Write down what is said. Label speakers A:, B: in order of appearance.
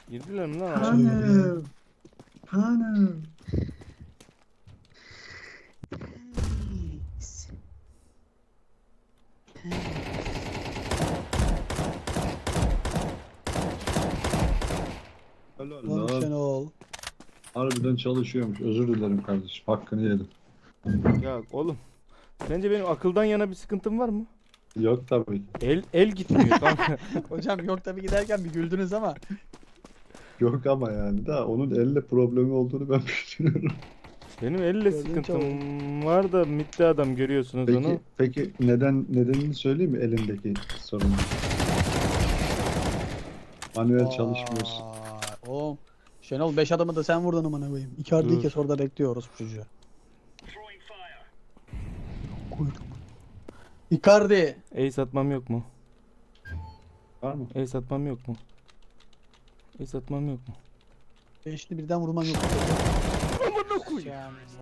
A: Girdiler mi lan?
B: Hanım. Hanım.
C: Helal
B: Lan
C: lan.
B: Şenol.
C: Harbiden çalışıyormuş. Özür dilerim kardeşim. Hakkını yedim.
A: Ya oğlum. Sence benim akıldan yana bir sıkıntım var mı?
C: Yok tabii.
A: El gitmiyor kanka.
B: Hocam yok tabii giderken bir güldünüz ama.
C: Yok ama yani da onun elle problemi olduğunu ben düşünüyorum.
A: Benim elle
B: Gördün
A: sıkıntım var da mitte adam görüyorsunuz onu.
C: Peki nedenini söyleyeyim mi elindeki sorunu? Manuel çalışmıyorsun.
B: Vay, oğlum. Şenol 5 adamı da sen vurdun amına koyayım. Icardi'yi
A: Dur.
B: kes orada bekliyoruz bu çocuğu. Koydum. Icardi.
A: Ace atmam yok mu?
C: Var mı?
A: Ace atmam yok mu? Ace atmam yok mu?
B: Beşli birden vurman yok.